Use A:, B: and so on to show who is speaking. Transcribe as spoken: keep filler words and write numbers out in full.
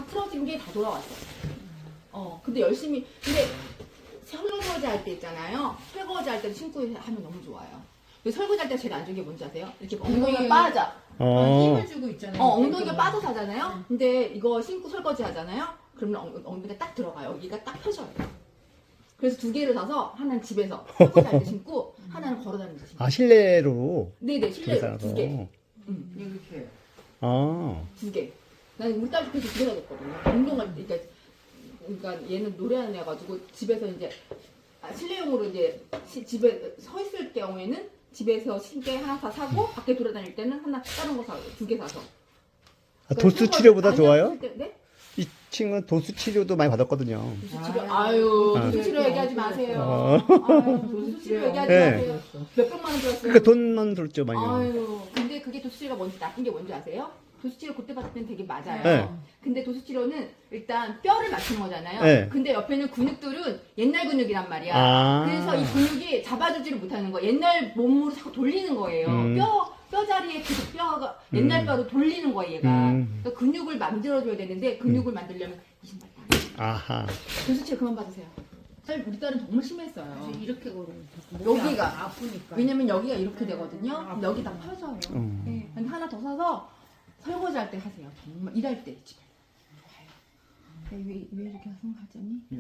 A: 틀어진 게 다 돌아왔어요. 어, 근데 열심히, 근데 설거지 할 때 있잖아요. 설거지 할 때 신고 하면 너무 좋아요. 근데 설거지 할 때 제일 안 좋은 게 뭔지 아세요? 이렇게 엉덩이가 빠져.
B: 어.
C: 힘을 주고 있잖아요.
A: 어, 엉덩이가 빠져서 하잖아요. 근데 이거 신고 설거지 하잖아요. 그러면 엉, 엉덩이가 딱 들어가요. 여기가 딱 펴져요. 그래서 두 개를 사서 하나는 집에서 설거지 할 때 신고 하나는 걸어 다니면서 신고.
B: 아, 실내로.
A: 네네, 실내로 두 개.
B: 어.
A: 응,
C: 이렇게.
B: 아.
A: 두 개. 나는 우리 딸도 그래서 두 개 사줬거든요. 운동할 때, 그러니까, 그러니까 얘는 노래하는 애가지고 집에서 이제 아, 실내용으로 이제 시, 집에 서 있을 경우에는 집에서 신게 하나 다 사고 밖에 돌아다닐 때는 하나 다른 거 사고 두 개 사서.
B: 아, 도수 치료보다 좋아요?
A: 때, 네?
B: 이 친구는 도수 치료도 많이 받았거든요.
A: 도수 치료. 아유,
B: 아.
A: 도수 치료 얘기하지 마세요.
B: 어.
A: 아유, 도수 치료 얘기하지
B: 네.
A: 마세요. 몇 백만 원 들었어요.
B: 그러니까 돈만 들었죠, 많이.
A: 아유, 근데 그게 도수치료가 뭔지 나쁜 게 뭔지 아세요? 도수치료 그때 봤을 땐 되게 맞아요.
B: 네.
A: 근데 도수치료는 일단 뼈를 맞추는 거잖아요.
B: 네.
A: 근데 옆에 있는 근육들은 옛날 근육이란 말이야.
B: 아.
A: 그래서 이 근육이 잡아주지를 못하는 거예요. 옛날 몸으로 자꾸 돌리는 거예요.
B: 음.
A: 뼈, 뼈 자리에 계속 뼈가 옛날
B: 음.
A: 뼈로 돌리는 거예요, 얘가.
B: 음.
A: 그러니까 근육을 만들어줘야 되는데 근육을 만들려면 이 신발 딱.
B: 아하.
A: 도수치료 그만 받으세요. 사실 우리 딸은 정말 심했어요.
C: 그래서 이렇게 걸으면
A: 여기가.
C: 아프- 아프니까.
A: 왜냐면 여기가 이렇게 되거든요. 근데 여기 다 펴져요.
B: 음.
A: 네. 근데 하나 더 사서 설거지 할 때 하세요. 정말 일할 때 집에. 좋아요. 왜, 왜 이렇게 하자니?